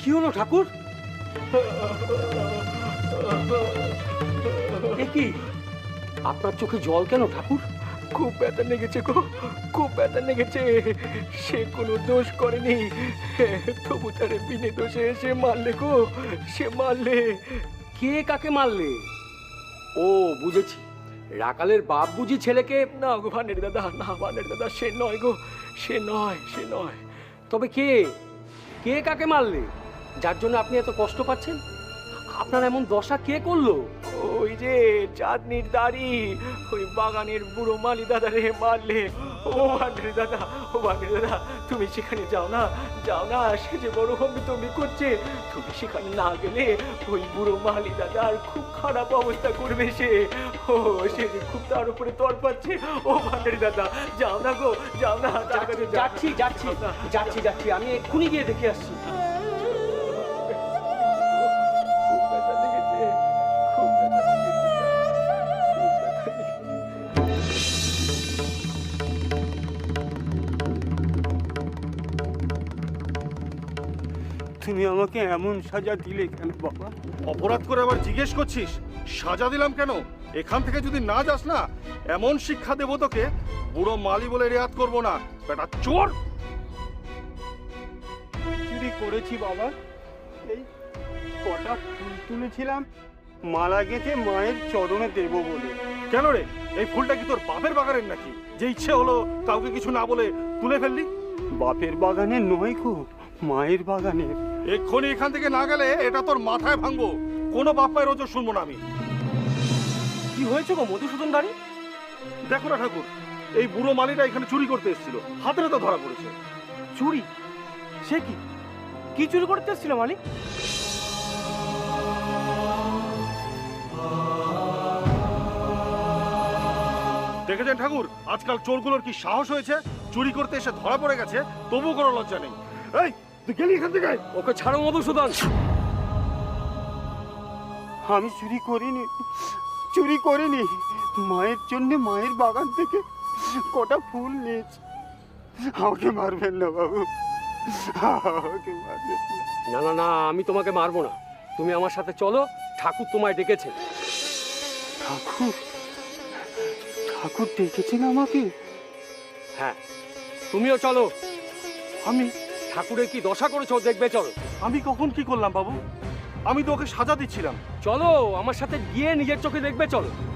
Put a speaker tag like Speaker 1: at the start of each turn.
Speaker 1: হলো ঠাকুর? এ কি, আপনার চোখে জল কেন ঠাকুর?
Speaker 2: খুব ব্যথা লেগেছে গো, খুব ব্যথা লেগেছে। সে কোনো দোষ করেনি, তবু তারে বিনে দোষে সে মারলে গো, সে মারলে।
Speaker 1: কে কাকে মারলে? ও বুঝেছি, রাকালের বাপ বুঝি ছেলেকে।
Speaker 2: না গো ভানের দাদা, না ভানের দাদা, সে নয় গো, সে নয়, সে নয়।
Speaker 1: তবে কে, কে কাকে মারলে যার জন্য আপনি এত কষ্ট পাচ্ছেন? আপনার এমন দশা কে করলো?
Speaker 2: ওই যে চাঁদনির দাড়ি, ওই বাগানের বুড়ো মালি দাদা রে মারলে। ও ভান্ডারি দাদা, ও ভান্ডারি দাদা, তুমি সেখানে যাও না, যাও না। সে যে বড় হম্বিতম্বি করছে, তুমি সেখানে না গেলে ওই বুড়ো মালি দাদার খুব খারাপ অবস্থা করবে সে। ও সে যে খুব তার উপরে তর পাচ্ছে। ও ভান্ডারি দাদা, যাও না গো, যাও না।
Speaker 1: যাচ্ছি যাচ্ছি যাচ্ছি যাচ্ছি, আমি এক্ষুনি গিয়ে দেখে আসছি।
Speaker 2: খুব ব্যথা লেগেছে, খুব ব্যথা লেগেছে, খুব ব্যথা লেগেছে।
Speaker 3: তুমি আমাকে এমন সাজা দিলে কেন বাবা?
Speaker 4: অপরাধ করে আবার জিজ্ঞেস করছিস সাজা দিলাম কেন? এখান থেকে যদি না যাস না, এমন শিক্ষা দেবো তোকে, বুড়ো মালি বলে রেয়াত করবো না, বেটা চোর।
Speaker 3: চুরি করেছি বাবা, এই কটা ফুল তুলেছিলাম, মালা গেঁথে মায়ের চরণে দেব বলে।
Speaker 4: কেন রে, এই ফুলটা কি তোর বাপের বাগানের নাকি, যে ইচ্ছে হলো কাউকে কিছু না বলে তুলে ফেললি?
Speaker 3: বাপের বাগানে নয় গো, মায়ের বাগানের।
Speaker 4: এক্ষুনি এখান থেকে না গেলে এটা তোর মাথায় ভাঙবো। কোনো বাপ মায়ের ওজোর শুনবো না আমি।
Speaker 1: কি হয়েছে গো মধুসূদন দাঁড়ি?
Speaker 4: দেখো না ঠাকুর, এই বুড়ো মালিটা এখানে চুরি করতে এসেছিল, হাতে তো ধরা পড়েছে।
Speaker 1: চুরি? সে কি, কি চুরি করতে এসেছিল মালিক?
Speaker 4: দেখেছেন ঠাকুর, আজকাল চোরগুলোর কি সাহস হয়েছে, চুরি করতে এসে ধরা পড়ে গেছে, তবু কোনো লজ্জা নেই। এই তুই গেলি এখান থেকে?
Speaker 1: ওকে ছাড়ো মধুসূদন।
Speaker 3: আমি চুরি করিনি, চুরি করিনি। মায়ের জন্য মায়ের বাগান থেকে কটা ফুল নিয়েছি। আমাকে মারবেন না বাবু, আমাকে মারবেন না।
Speaker 1: না না না, আমি তোমাকে মারবো না, তুমি আমার সাথে চলো, ঠাকুর তোমায় ডেকেছে।
Speaker 3: ঠাকুর, ঠাকুর ডেকেছেন আমাকে?
Speaker 1: হ্যাঁ, তুমিও চলো।
Speaker 3: আমি
Speaker 1: ঠাকুরের কি দশা করেছো দেখবে, চলো।
Speaker 4: আমি কখন কি করলাম বাবু? আমি তো ওকে সাজা দিচ্ছিলাম।
Speaker 1: চলো আমার সাথে গিয়ে নিজের চোখে দেখবে, চলো।